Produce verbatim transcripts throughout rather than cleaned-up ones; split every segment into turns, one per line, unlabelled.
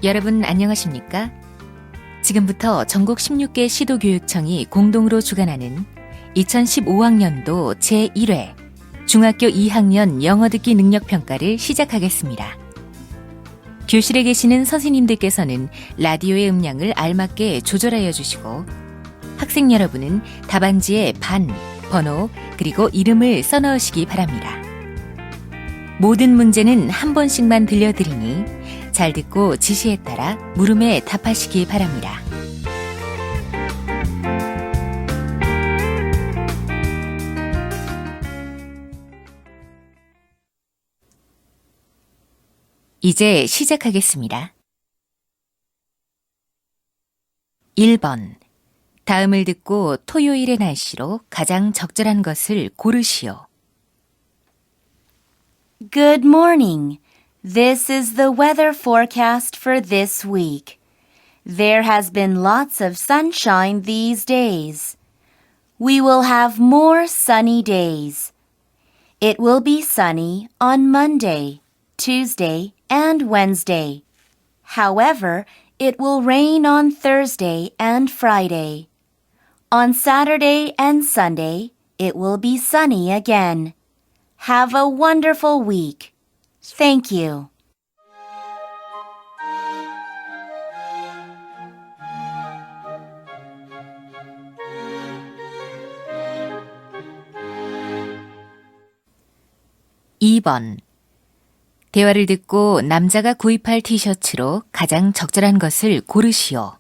여러분 안녕하십니까? 지금부터 전국 십육 개 시도교육청이 공동으로 주관하는 이천십오 학년도 제일 회 중학교 이 학년 영어 듣기 능력 평가를 시작하겠습니다. 교실에 계시는 선생님들께서는 라디오의 음량을 알맞게 조절하여 주시고 학생 여러분은 답안지에 반, 번호, 그리고 이름을 써넣으시기 바랍니다. 모든 문제는 한 번씩만 들려드리니 잘 듣고 지시에 따라 물음에 답하시기 바랍니다. 이제 시작하겠습니다. 일 번. 다음을 듣고 토요일의 날씨로 가장 적절한 것을 고르시오.
Good morning. This is the weather forecast for this week. There has been lots of sunshine these days. We will have more sunny days. It will be sunny on Monday, Tuesday, and Wednesday. However, it will rain on Thursday and Friday. On Saturday and Sunday, it will be sunny again. Have a wonderful week. Thank you.
이 번. 대화를 듣고 남자가 구입할 티셔츠로 가장 적절한 것을 고르시오.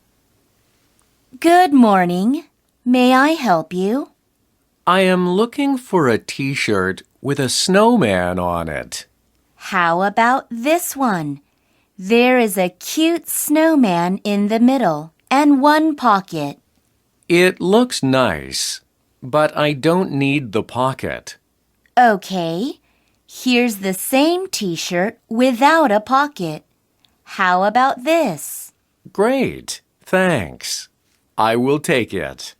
Good morning. May I help you?
I am looking for a t-shirt with a snowman on it.
How about this one? There is a cute snowman in the middle and one pocket.
It looks nice, but I don't need the pocket.
Okay. Here's the same t-shirt without a pocket. How about this?
Great, thanks. I will take it.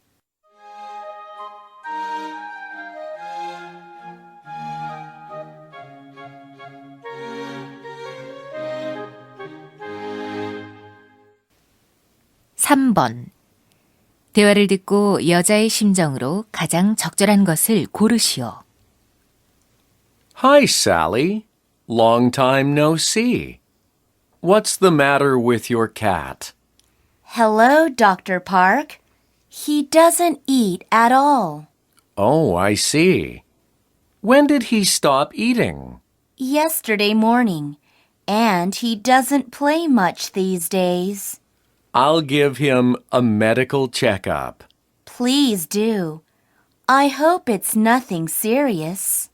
삼 번. 대화를 듣고 여자의 심정으로 가장 적절한 것을 고르시오.
Hi, Sally. Long time no see. What's the matter with your cat?
Hello, Doctor Park. He doesn't eat at all.
Oh, I see. When did he stop eating?
Yesterday morning, and he doesn't play much these days.
I'll give him a medical checkup.
Please do. I hope it's nothing serious.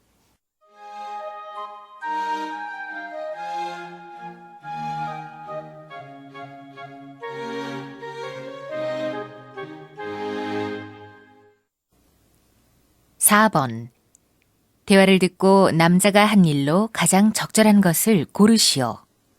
사 번. 대화를 듣고 남자가 한 일로 가장 적절한 것을 고르시오.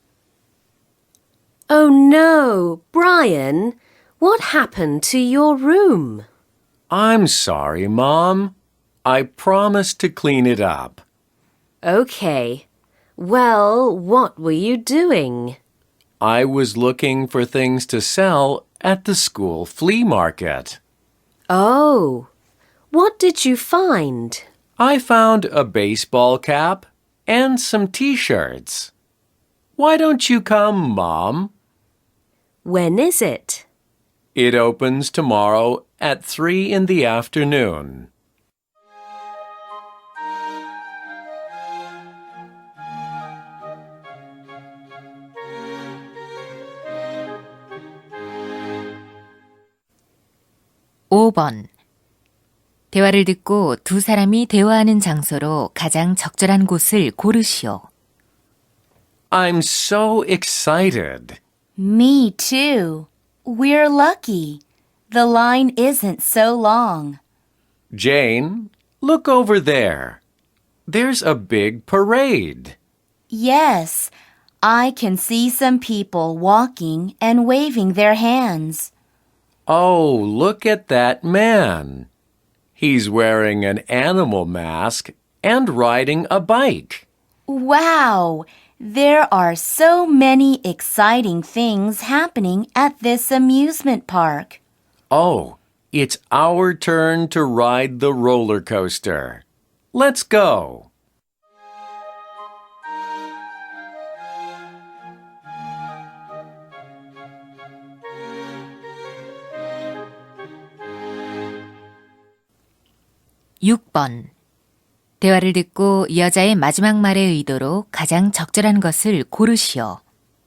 Oh no, Brian, what happened to your room?
I'm sorry, Mom. I promised to clean it up.
Okay. Well, what were you doing?
I was looking for things to sell at the school flea market.
Oh, what did you find?
I found a baseball cap and some t-shirts. Why don't you come, Mom?
When is it?
It opens tomorrow at three in the afternoon.
오 번. 대화를 듣고 두 사람이 대화하는 장소로 가장 적절한 곳을 고르시오.
I'm so excited.
Me too. We're lucky. The line isn't so long.
Jane, look over there. There's a big parade.
Yes, I can see some people walking and waving their hands.
Oh, look at that man. He's wearing an animal mask and riding a bike.
Wow! There are so many exciting things happening at this amusement park.
Oh, it's our turn to ride the roller coaster. Let's go.
육 번. 대화를 듣고 여자의 마지막 말의 의도로 가장 적절한 것을 고르시오.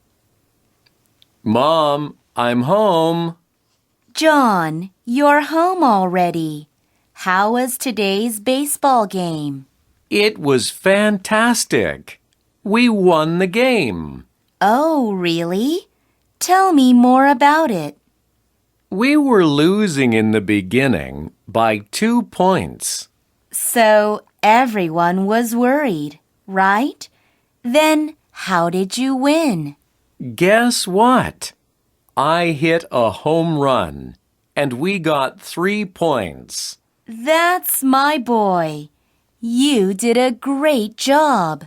Mom, I'm home.
John, you're home already. How was today's baseball game?
It was fantastic. We won the game.
Oh, really? Tell me more about it.
We were losing in the beginning by two points.
So everyone was worried, right? Then how did you win?
Guess what? I hit a home run, and we got three points.
That's my boy. You did a great job.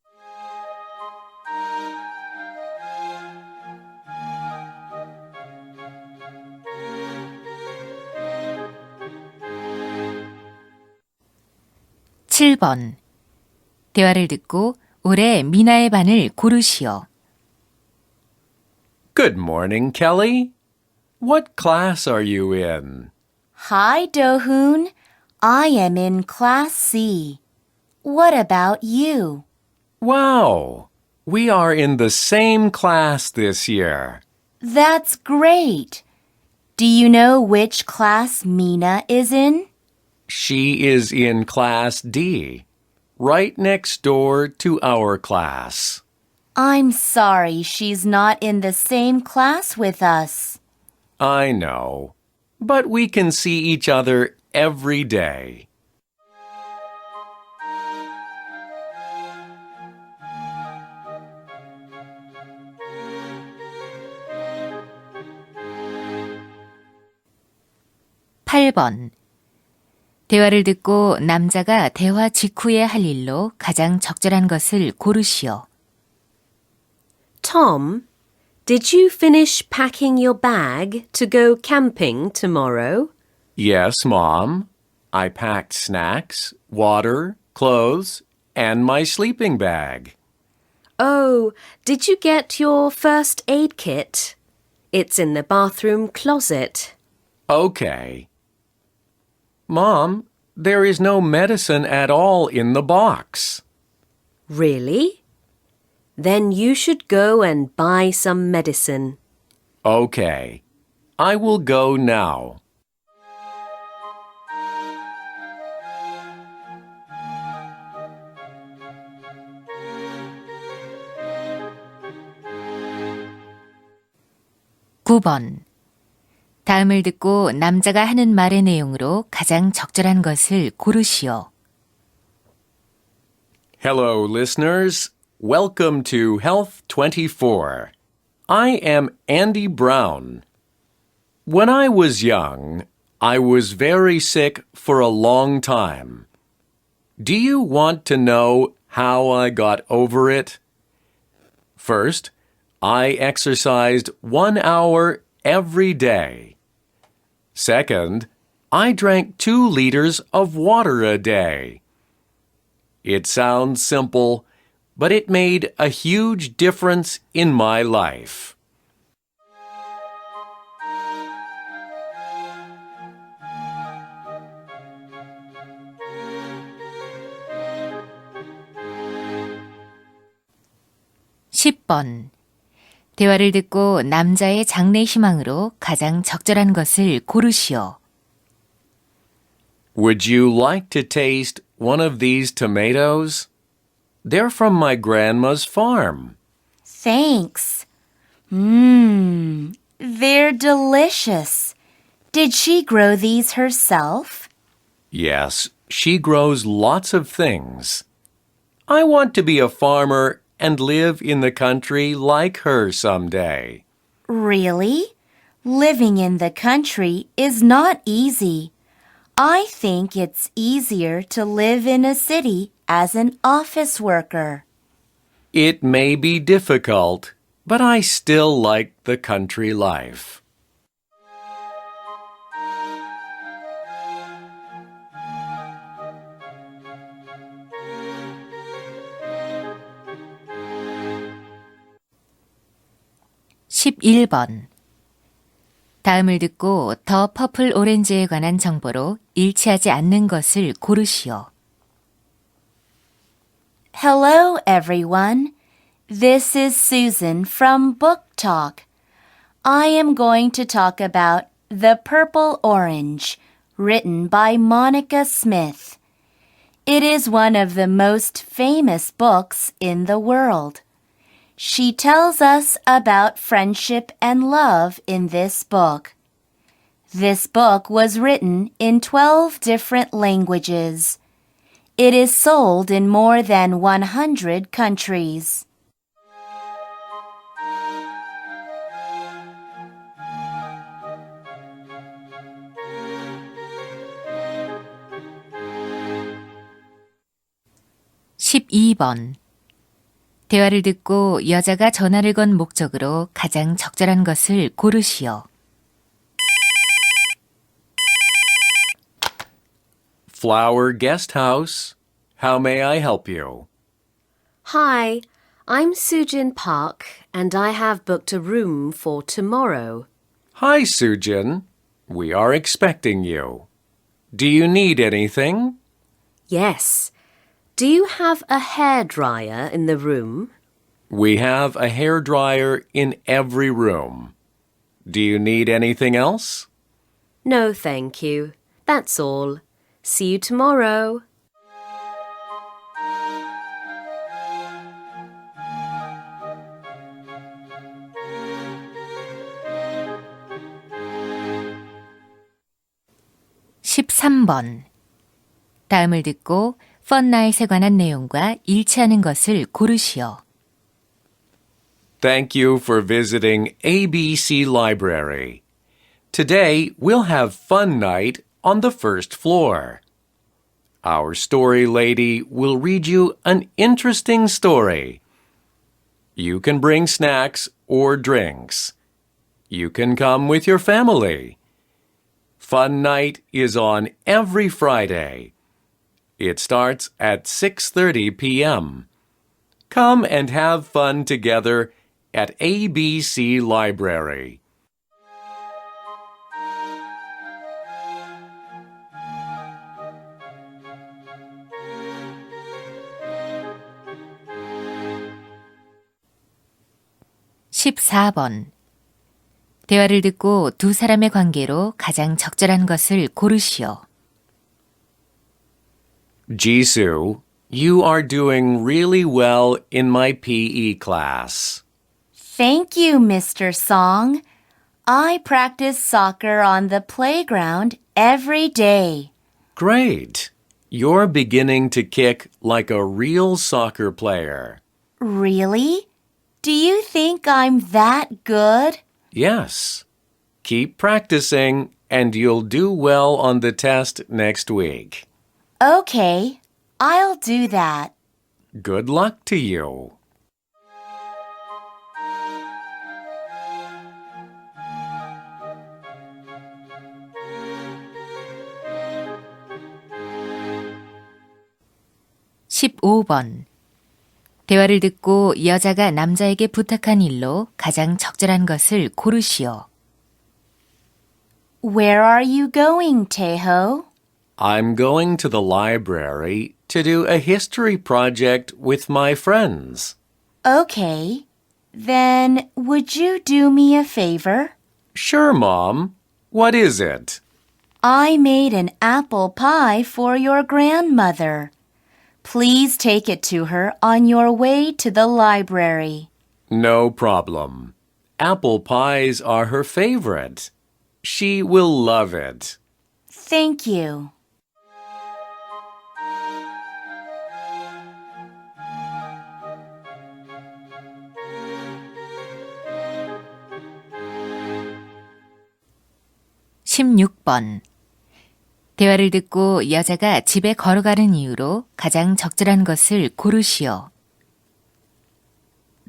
칠 번. 대화를 듣고 올해 미나의 반을 고르시오.
Good morning, Kelly. What class are you in?
Hi, Do-hoon. I am in Class C. What about you?
Wow, we are in the same class this year.
That's great. Do you know which class Mina is in?
She is in Class D, right next door to our class.
I'm sorry she's not in the same class with us.
I know, but we can see each other every day.
팔 번. 대화를 듣고 남자가 대화 직후에 할 일로 가장 적절한 것을 고르시오.
Tom, did you finish packing your bag to go camping tomorrow?
Yes, Mom. I packed snacks, water, clothes, and my sleeping bag.
Oh, did you get your first aid kit? It's in the bathroom closet.
Okay. Mom, there is no medicine at all in the box.
Really? Then you should go and buy some medicine.
Okay. I will go now.
구 번. 다음을 듣고 남자가 하는 말의 내용으로 가장 적절한 것을 고르시오.
Hello, listeners. Welcome to Health twenty-four. I am Andy Brown. When I was young, I was very sick for a long time. Do you want to know how I got over it? First, I exercised one hour every day. Second, I drank two liters of water a day. It sounds simple, but it made a huge difference in my life.
십 번. 대화를 듣고 남자의 장래 희망으로 가장 적절한 것을 고르시오.
Would you like to taste one of these tomatoes? They're from my grandma's farm.
Thanks. Mmm, they're delicious. Did she grow these herself?
Yes, she grows lots of things. I want to be a farmer and live in the country like her someday.
Really? Living in the country is not easy. I think it's easier to live in a city as an office worker.
It may be difficult, but I still like the country life.
십일 번. 다음을 듣고 더 퍼플 오렌지에 관한 정보로 일치하지 않는 것을 고르시오.
Hello, everyone. This is Susan from Book Talk. I am going to talk about The Purple Orange, written by Monica Smith. It is one of the most famous books in the world. She tells us about friendship and love in this book. This book was written in twelve different languages. It is sold in more than one hundred countries.
십이 번. 대화를 듣고 여자가 전화를 건 목적으로 가장 적절한 것을 고르시오.
Flower Guest House. How may I help you?
Hi, I'm Sujin Park, and I have booked a room for tomorrow.
Hi, Sujin. We are expecting you. Do you need anything?
Yes. Do you have a hairdryer in the room?
We have a hairdryer in every room. Do you need anything else?
No, thank you. That's all. See you tomorrow.
십삼 번. 다음을 듣고 펀나잇에 관한 내용과 일치하는 것을 고르시오.
Thank you for visiting A B C Library. Today, we'll have fun night on the first floor. Our story lady will read you an interesting story. You can bring snacks or drinks. You can come with your family. Fun night is on every Friday. It starts at six thirty p.m. Come and have fun together at A B C Library.
십사 번. 대화를 듣고 두 사람의 관계로 가장 적절한 것을 고르시오.
Jisoo, you are doing really well in my P E class.
Thank you, Mister Song. I practice soccer on the playground every day.
Great. You're beginning to kick like a real soccer player.
Really? Do you think I'm that good?
Yes. Keep practicing and you'll do well on the test next week.
Okay, I'll do that.
Good luck to you.
십오 번. 대화를 듣고 여자가 남자에게 부탁한 일로 가장 적절한 것을 고르시오.
Where are you going, Taeho?
I'm going to the library to do a history project with my friends.
Okay. Then would you do me a favor?
Sure, Mom. What is it?
I made an apple pie for your grandmother. Please take it to her on your way to the library.
No problem. Apple pies are her favorite. She will love it.
Thank you.
십육 번. 대화를 듣고 여자가 집에 걸어가는 이유로 가장 적절한 것을 고르시오.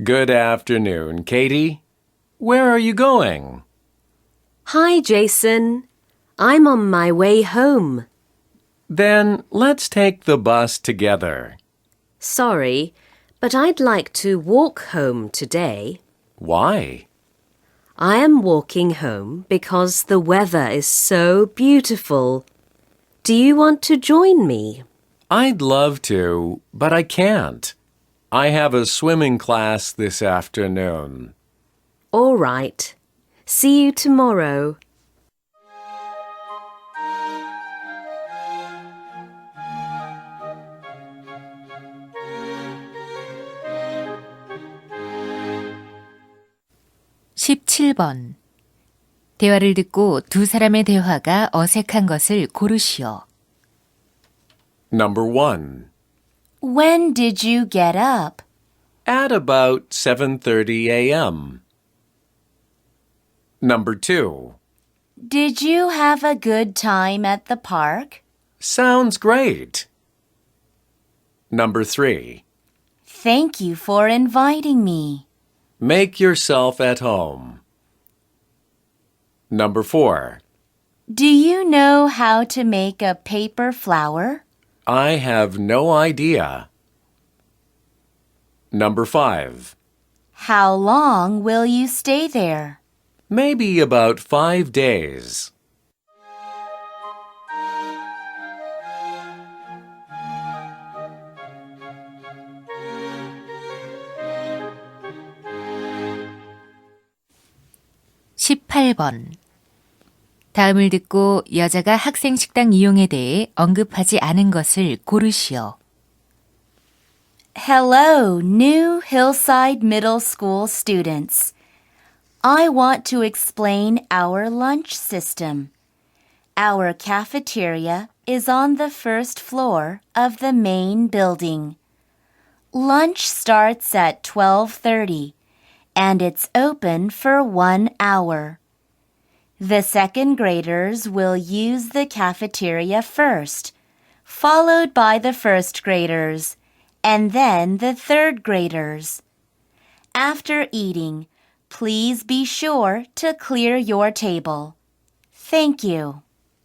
Good afternoon, Katie. Where are you going?
Hi, Jason. I'm on my way home.
Then let's take the bus together.
Sorry, but I'd like to walk home today.
Why?
I am walking home because the weather is so beautiful. Do you want to join me?
I'd love to, but I can't. I have a swimming class this afternoon.
All right. See you tomorrow.
십칠 번. 대화를 듣고 두 사람의 대화가 어색한 것을 고르시오.
Number one.
When did you get up?
At about seven thirty a.m. Number two.
Did you have a good time at the park?
Sounds great. Number three.
Thank you for inviting me.
Make yourself at home. Number four.
Do you know how to make a paper flower?
I have no idea. Number five.
How long will you stay there?
Maybe about five days.
십팔 번. 다음을 듣고 여자가 학생 식당 이용에 대해 언급하지 않은 것을 고르시오.
Hello, new Hillside Middle School students. I want to explain our lunch system. Our cafeteria is on the first floor of the main building. Lunch starts at twelve thirty, and it's open for one hour. The second graders will use the cafeteria first, followed by the first graders, and then the third graders. After eating, please be sure to clear your table. Thank you.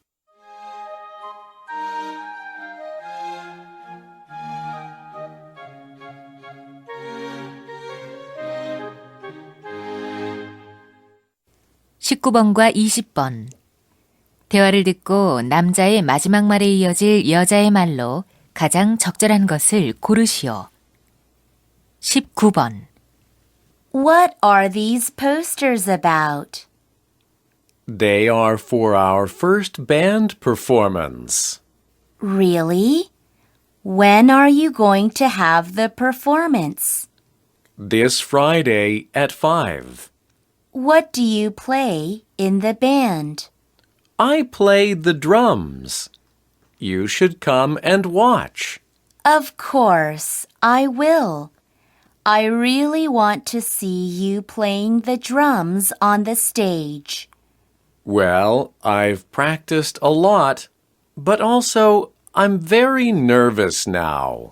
십구 번과 이십 번. 대화를 듣고 남자의 마지막 말에 이어질 여자의 말로 가장 적절한 것을 고르시오. 십구 번.
What are these posters about?
They are for our first band performance.
Really? When are you going to have the performance?
This Friday at five.
What do you play in the band?
I play the drums. You should come and watch.
Of course, I will. I really want to see you playing the drums on the stage.
Well, I've practiced a lot, but also I'm very nervous now.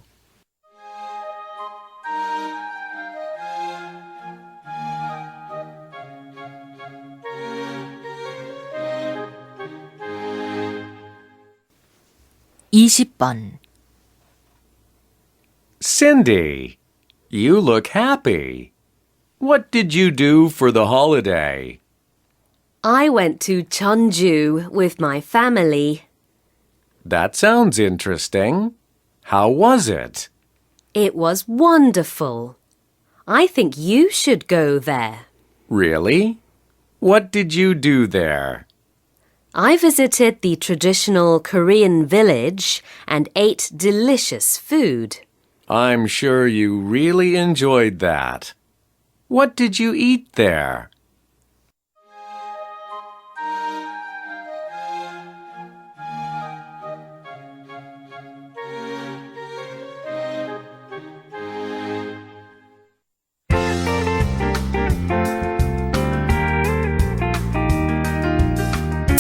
이십 번.
Cindy, you look happy. What did you do for the holiday?
I went to Jeonju with my family.
That sounds interesting. How was it?
It was wonderful. I think you should go there.
Really? What did you do there?
I visited the traditional Korean village and ate delicious food.
I'm sure you really enjoyed that. What did you eat there?